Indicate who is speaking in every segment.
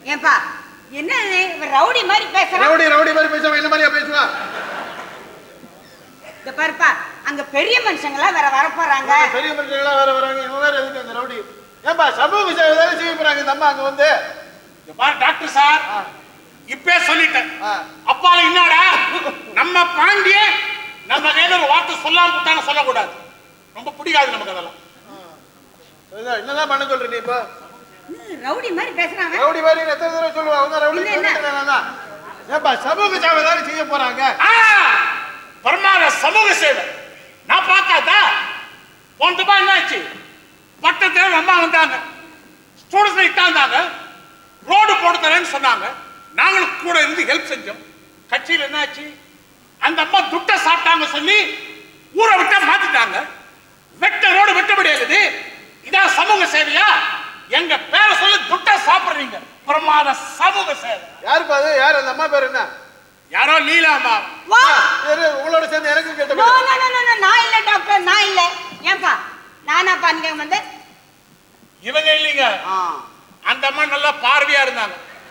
Speaker 1: ஏன்பா என்ன ரவுடி மாதிரி பேசுறான்?
Speaker 2: ரவுடி மாதிரி பேசுவான். என்ன மாதிரியா பேசுவான்?
Speaker 1: இந்த பாருப்பா, அங்க பெரிய மனுஷங்களா வேற வர போறாங்க.
Speaker 2: பெரிய மனுஷங்களா வேற வராங்க. இவங்க வேற எதுக்கு அந்த ரவுடி? ஏன்பா சமூக சேவை தானே செய்ய போறாங்க இந்த அம்மா அங்க வந்து.
Speaker 3: டாக்டர் சார் இப்பே சொல்லிட்டேன். அப்பால என்னடா நம்ம பாண்டிய நம்ம கையில ஒரு வார்த்தை சொல்லாம விட்டாங்க, சொல்லக்கூடாது. ரொம்ப பிடிக்காது நமக்கு அதெல்லாம்.
Speaker 2: என்னதான் பண்ண சொல்ற நீ இப்ப?
Speaker 1: ரவுடி மாதிரி பேசுறாங்க.
Speaker 2: ரவுடி மாதிரி எத்தனை தடவை சொல்லுவா? அவங்க ரவுடி சொல்லிட்டேன். ஏன்பா சமூக சேவை தானே செய்ய போறாங்க.
Speaker 3: பரமார சமூக சேவை நான் பார்க்காதா? போனதுப்பா என்னாச்சு? பட்டத்தில் அம்மா வந்தாங்க, ஸ்டூடெண்ட்ஸ் இட்டாந்தாங்க, ரோடு போட்டு தரேன்னு சொன்னாங்க. நாங்களும் கூட இருந்து ஹெல்ப் செஞ்சோம். கட்சியில் என்னாச்சு? அந்த அம்மா துட்ட சாப்பிட்டாங்க சொல்லி ஊரை விட்டா மாத்திட்டாங்க. வெட்ட ரோடு வெட்ட முடியாது. இதான் சமூக சேவையா? எங்க பேரை சொல்லி துட்ட சாப்பிடுறீங்க. பிரமாத சமூக சேவை.
Speaker 2: யாருப்பா அது? யார் அந்த அம்மா பேர் என்ன?
Speaker 3: யாரோ லீலாமா.
Speaker 2: உங்களோட சேர்ந்து எனக்கு கேட்ட.
Speaker 1: நான் இல்ல டாக்டர், நான் இல்ல. ஏன்பா நானாப்பா அங்க வந்து?
Speaker 3: இவங்க இல்லைங்க, அந்த அம்மா நல்லா பார்வையா இருந்தாங்க.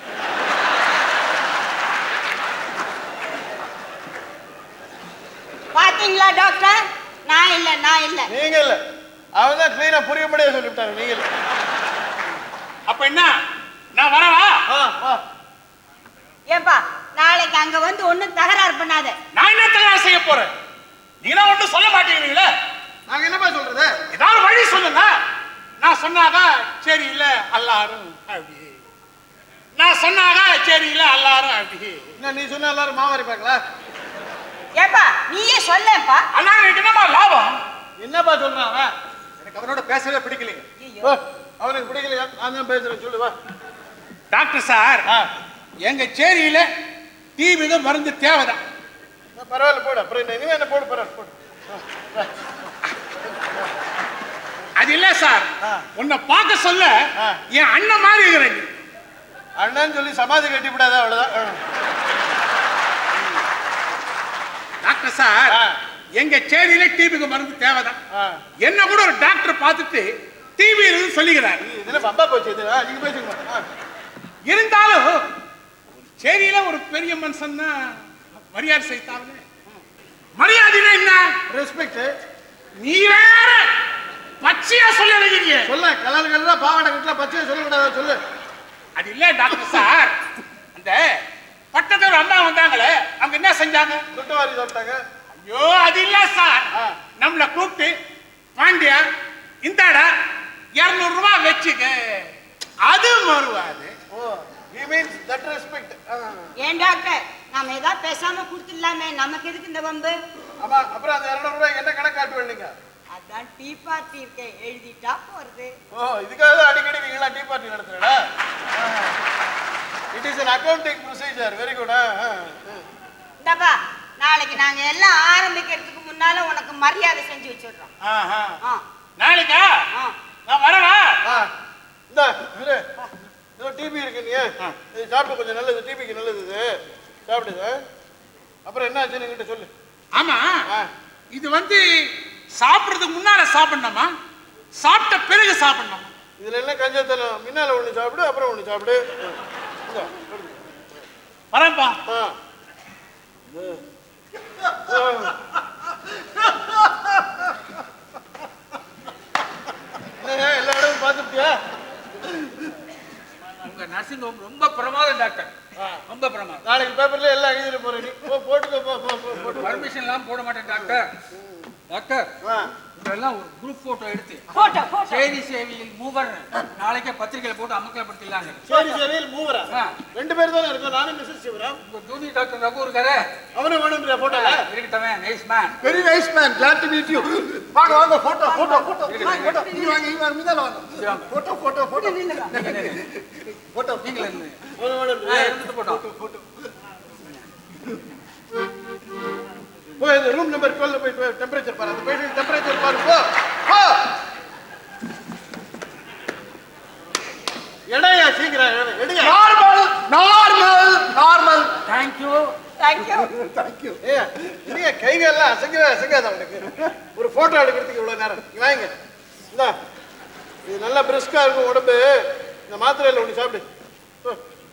Speaker 1: பாத்தீங்களா டாக்டர்? நான் இல்ல.
Speaker 2: நீங்க இல்ல, அவங்க தான் கிளீனா புரியும்படியா சொல்லிவிட்டாங்க. நீங்க இல்ல.
Speaker 3: அப்ப என்ன, நான் வரவா?
Speaker 1: ஏன்பா நாளைக்கு அங்க வந்து ஒண்ணும் தகராறு பண்ணாத.
Speaker 3: நான் என்ன தகராறு செய்ய போறேன்? நீங்க ஒன்றும் சொல்ல மாட்டேங்கிறீங்களே.
Speaker 2: நாங்க என்னப்பா சொல்றது?
Speaker 3: ஏதாவது வழி சொல்லுங்க. நான் சொன்னாங்க சரி இல்ல எல்லாரும் அப்படி, நான் சொன்னாங்க சரி இல்ல எல்லாரும் அப்படி.
Speaker 2: என்ன நீ சொன்ன எல்லாரும் மாவாரி பார்க்கல?
Speaker 1: ஏப்பா நீயே சொல்லப்பா.
Speaker 3: அண்ணா எனக்கு என்னமா லாபம்?
Speaker 2: என்னப்பா சொல்றான் அவன்? எனக்கு அவனோட பேசவே பிடிக்கலைங்க. அவனுக்கு பிடிக்கலையா? நான் தான் பேசுறேன், சொல்லுவா.
Speaker 3: டாக்டர் சார், எங்க சேரியில டிவிங்க மருந்து தேவைதான்.
Speaker 2: பரவாயில்ல போடு. அப்புறம் இனிமே என்ன போடு, பரவாயில்ல போடு.
Speaker 3: அது இல்ல சார், உன்னை பார்க்க சொல்ல என் அண்ணன் மாதிரி இருக்கிறேன்.
Speaker 2: அண்ணன் சொல்லி சமாதி கட்டி விடாத, அவ்வளவுதான்.
Speaker 3: டாக்டர் சார், எங்க சேரியில டிவிக்கு மருந்து தேவைதான். என்ன கூட ஒரு டாக்டர் பார்த்துட்டு டிவி இருந்து சொல்லிக்கிறார்.
Speaker 2: இதுல பம்பா போச்சு. நீங்க பேசுங்க.
Speaker 3: இருந்தாலும் சேரியில ஒரு பெரிய மனுஷன் தான் மரியாதை செய்தாங்க. மரியாதைனா என்ன?
Speaker 2: ரெஸ்பெக்ட்.
Speaker 3: நீ வேற பச்சையா சொல்ல நினைக்கிறீங்க.
Speaker 2: சொல்ல கலர் கலரா பாவாடை கட்டல பச்சையா சொல்லக்கூடாது, சொல்லு.
Speaker 3: அது இல்ல டாக்டர் சார், அந்த பட்டத்துல ஒரு அம்மா வந்தாங்களே, அவங்க என்ன செஞ்சாங்க?
Speaker 2: துட்டவாரி சாப்பிட்டாங்க.
Speaker 3: ஐயோ அது இல்ல சார், நம்மள கூப்பிட்டு பாண்டியா இந்தாடா 200 ரூபாய் வச்சுக்க, அது மறுவாது.
Speaker 2: He means that respect.
Speaker 1: ஏன் டாக்டர், நாம ஏதாவது பேசாம கொடுத்துடலாமே, நமக்கு எதுக்கு இந்த வம்பு?
Speaker 2: ஆமா, அப்புறம் அந்த 200 ரூபாய்க்கு என்ன கணக்கு காட்டுவீங்க நீங்க?
Speaker 1: அதான் டீ பார்ட்டி இருக்கே, எழுதிட்டா போறது.
Speaker 2: இதுக்காக அடிக்கடி நீங்க டீ பார்ட்டி நடத்துறீங்களா? It is an accounting procedure. Very good.
Speaker 1: இந்தப்பா, நாளைக்கு நாங்க எல்லாம் ஆரம்பிக்கிறதுக்கு முன்னால உனக்கு மரியாதை செஞ்சு வச்சிடுறோம்.
Speaker 3: நாளைக்கா? நான் வரவா?
Speaker 2: இந்த இரு, ஏதோ டிபி இருக்கு, நீ இது சாப்பிட்டு கொஞ்சம் நல்லது, டிபிக்கு நல்லது இது, சாப்பிடுது. அப்புறம் என்ன ஆச்சுன்னு என்கிட்ட சொல்லு.
Speaker 3: ஆமா, இது வந்து சாப்பிடுறதுக்கு முன்னால சாப்பிடணுமா, சாப்பிட்ட பிறகு சாப்பிடணுமா?
Speaker 2: இதுல என்ன கஞ்சத்தனம்? முன்னால ஒண்ணு சாப்பிடு, அப்புறம் ஒண்ணு சாப்பிடு.
Speaker 3: வரேன்ப்பா.
Speaker 2: எல்லா இடமும் பார்த்துட்டியா?
Speaker 4: உங்க நர்சிங் ஹோம் ரொம்ப பிரமாதம் டாக்டர், ரொம்ப பிரமாதம்.
Speaker 2: நாளைக்கு பேப்பர்ல எல்லாம் எழுதிட்டு போறேன். நீ போட்டுக்கோ.
Speaker 4: பர்மிஷன் எல்லாம் போட மாட்டேன் டாக்டர். டாக்டர் இதெல்லாம் ஒரு குரூப் போட்டோ எடுத்து சேரி சேவையில் மூவர் நாளைக்கே பத்திரிகையில போட்டு அமக்கலப்படுத்திடலாங்க.
Speaker 2: சேரி சேவையில் மூவரா? 2 பேர் தானே இருக்கோம், நானும் மிஸ்ஸஸ் சிவராம்.
Speaker 4: உங்க ஜூனியர் டாக்டர் ரகு இருக்காரு,
Speaker 2: அவனே வேணும்ன்ற போட்டோ
Speaker 4: இருக்கட்டவே. Nice man,
Speaker 2: very nice man, glad to meet you. வாங்க வாங்க, போட்டோ போட்டோ போட்டோ இங்க வாங்க, இங்க வாங்க, மீதால வாங்க. போட்டோ போட்டோ போட்டோ போட்டோ
Speaker 4: நீங்களே
Speaker 2: எடுத்து
Speaker 4: போட்டோ
Speaker 2: போட்டோ. போய் இந்த ரூம் நம்பர் 12 போய் டெம்பரேச்சர் பாரு, அந்த பேஷண்ட் டெம்பரேச்சர் பாரு. போ எடையா, சீக்கிரம் எடையா. Normal normal normal.
Speaker 4: Thank you
Speaker 1: thank you
Speaker 2: thank you. நீங்க கைகள் எல்லாம் அசங்காத உங்களுக்கு. ஒரு போட்டோ எடுக்கிறதுக்கு இவ்வளவு நேரம். நீ வாங்க, இந்தா இது நல்லா பிரிஸ்கா இருக்கும் உடம்பு. இந்த மாத்திரையில ஒண்ணு சாப்பிடு.